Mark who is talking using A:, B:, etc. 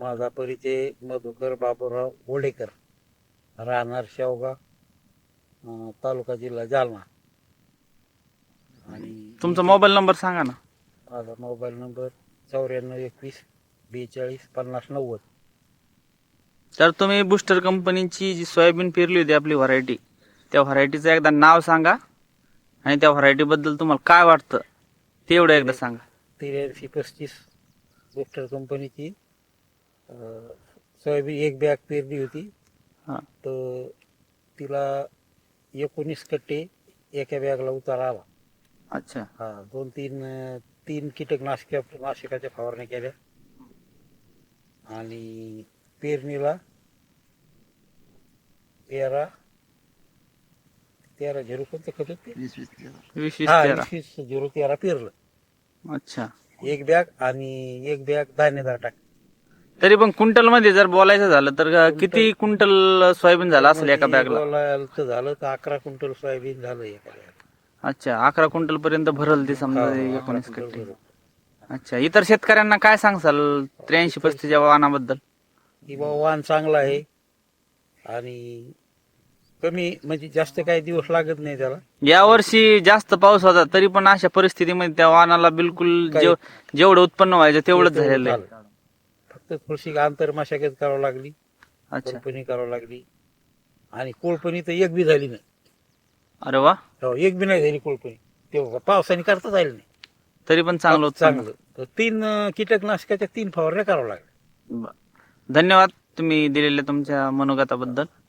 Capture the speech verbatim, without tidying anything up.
A: माझा परिचय मधुकर बाबूराव गोडेकर, राहणार शेवगाव, अं, तालुका जिल्हा जालना. आणि
B: तुमचा मोबाईल नंबर सांगा ना.
A: माझा मोबाईल नंबर चौऱ्याण्णव एकवीस बेचाळीस पन्नास नव्वद.
B: तर तुम्ही बुस्टर कंपनीची जी सोयाबीन पेरली होती आपली व्हरायटी, त्या व्हरायटीचं एकदा नाव सांगा आणि त्या व्हरायटी बद्दल तुम्हाला काय वाटतं ते एवढं एकदा सांगा.
A: त्र्याऐंशी पस्तीस बुस्टर कंपनीची अं, सोयाबीन एक बॅग पेरली होती.
B: हां.
A: तर तिला एकोणीस कट्टे एका बॅगला उतारा आला.
B: अच्छा.
A: हा दोन तीन अं, तीन कीटकनाशक नाशकाच्या फवारण्या केल्या आणि पेरणीला तेरा तेरा झिरो कोणतं खत होते?
B: वीस वीस
A: हा
B: तेरा.
A: वीस वीस झिरो तेरा पेरलं
B: अच्छा.
A: एक बॅग आणि एक बॅग दाणेदार टाक.
B: तरी पण क्विंटल मध्ये जर बोलायचं झालं तर किती क्विंटल सोयाबीन झाला असेल एका बॅगला?
A: बोलायचं झालं तर अकरा क्विंटल सोयाबीन झालं एका बॅग.
B: अच्छा, अकरा क्विंटल पर्यंत भरल ती समजा
A: हो, अकरा
B: एकोणीस
A: क्विंटल
B: कट्टे.
A: भरलं.
B: अच्छा, इतर शेतकऱ्यांना काय सांगसाल त्र्याऐंशी पस्तीस या वाहनाबद्दल?
A: की बाबा वाहन चांगला आहे आणि कमी म्हणजे जास्त काही दिवस लागत नाही त्याला.
B: यावर्षी जास्त पाऊस होता तरी पण अशा परिस्थितीमध्ये त्या वाहनाला बिलकुल
A: काही-
B: जेव- जेवढं उत्पन्न व्हायचं तेवढंच
A: तेवढं
B: झालेलं आहे.
A: झालं. फक्त थोडीशी आंतर मशागत करावं लागली,
B: अच्छा.
A: कोळपणी करावं लागली आणि कोळपणी तर एक बी झाली नाही.
B: अरे वा.
A: हो, एक बी नाही झाली कोळपणी. ते पावसाने करताच आली नाही.
B: तरी पण चांगलं उत्पन्न.
A: चांगलं तर तीन अं, कीटकनाशकाच्या तीन फवारण्या करावं लागल्या.
B: ब- धन्यवाद तुम्ही दिलेल्या तुमच्या मनोगताबद्दल.